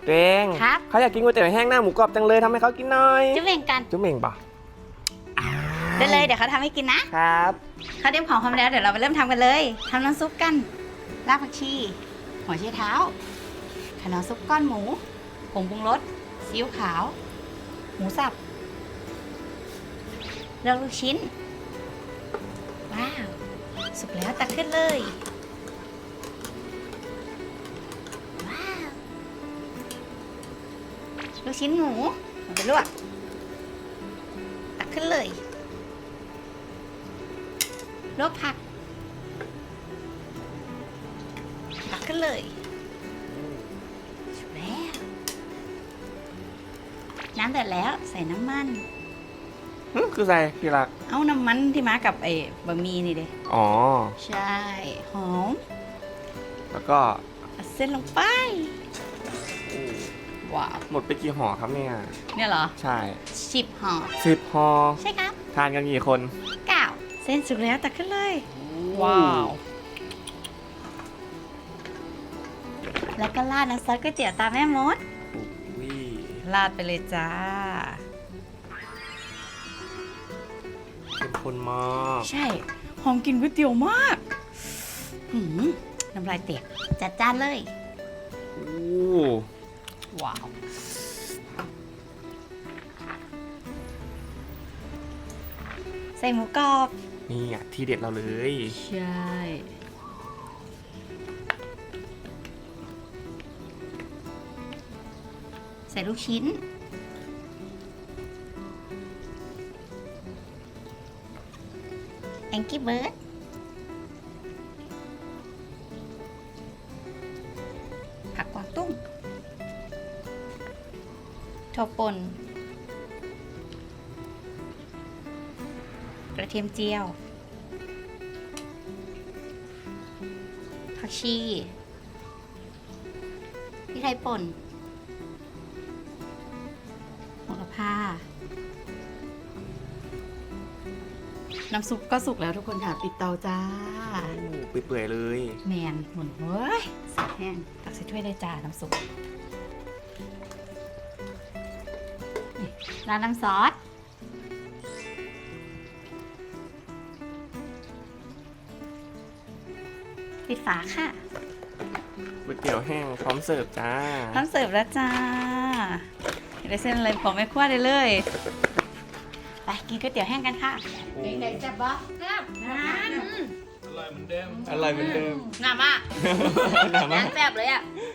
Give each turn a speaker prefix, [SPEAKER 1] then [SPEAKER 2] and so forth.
[SPEAKER 1] ตัวเอง
[SPEAKER 2] ครับ
[SPEAKER 1] เขาอยากกินก๋วยเตี๋ยวแห้งหน้าหมูกรอบจังเลยทำให้เขากินหน่อย
[SPEAKER 2] จุ๊บเองกัน
[SPEAKER 1] จุ๊บเม่งป่ะ
[SPEAKER 2] ได้เลยเดี๋ยวเขาทำให้กินนะครับ เขาเตรียมของพร้อมแล้วเดี๋ยวเราไปเริ่มทำกันเลยทำน้ำซุปกันรากผักชีหัวไชเท้าขนมซุปก้อนหมูผงปรุงรสซีอิ๊วขาว หมูสับเลือกลูกชิ้นว้าวสุกแล้วตักขึ้นเลยว้าวลูกชิ้นหมูเอาไปลวกตักขึ้นเลยลวกผักตักขึ้นเลยสุกแล้วน้ำเดือดแล้วใส่น้ำมัน
[SPEAKER 1] คือใส่พี่รัก
[SPEAKER 2] เอาน้ำมันที่มากับไอ้บะหมี่นี่เด้
[SPEAKER 1] อ๋อ
[SPEAKER 2] ใช่หอม
[SPEAKER 1] แล้วก็
[SPEAKER 2] เอาเส้นลงไปว้าว
[SPEAKER 1] หมดไปกี่ห่อครับเนี่ย
[SPEAKER 2] เนี่ยเหรอ
[SPEAKER 1] ใช่
[SPEAKER 2] 10 ห่อ
[SPEAKER 1] 10ห่อ
[SPEAKER 2] ใช่ครับ
[SPEAKER 1] ทานกันกี่คน
[SPEAKER 2] 9เส้นสุกแล้วตักขึ้นเลย
[SPEAKER 1] ว้าว
[SPEAKER 2] แล้วก็ราดน้ำซอสก๋วยเตี๋ยวตามแม่มด
[SPEAKER 1] อุ้ย
[SPEAKER 2] ราดไปเลยจ้า
[SPEAKER 1] เป็นคนมาก
[SPEAKER 2] ใช่ หอมกลิ่นก๋วยเตี๋ยวมากน้ำลายเตียกจัดจานเลย
[SPEAKER 1] อู้
[SPEAKER 2] ว้าว ใส่หมูกรอบ
[SPEAKER 1] นี่อ่ะที่เด็ดเราเลย
[SPEAKER 2] ใช่ ใส่ลูกชิ้น แองกี้เบิร์ด ผักกวางตุ้งถั่วป่นกระเทียมเจียว ผักชีพริกไทยป่นโหระพา น้ำซุปก็สุกแล้วทุกคนค่ะ ปิดเตาจ้า
[SPEAKER 1] เปื่อยๆเลย
[SPEAKER 2] แมนหมุนเว้ยสักแห้งตักใส่ถ้วยได้จ้า น้ำซุปนี่ราดน้ำซอส ปิดฝาค่ะ
[SPEAKER 1] ก๋วยเตี๋ยวแห้งพร้อมเสิร์ฟจ้า
[SPEAKER 2] พร้อมเสิร์ฟแล้วจ้าอยากได้เส้นอะไรของแม่ครัวได้เลย ไปกินก๋วยเตี๋ยวแห้งกันค่ะไหนๆจะบ้าครับนั่น
[SPEAKER 1] อร่อยเหมือนเดิม
[SPEAKER 2] หนามาก
[SPEAKER 1] หนามาก
[SPEAKER 2] แซ่บเลยอ่ะ
[SPEAKER 1] อ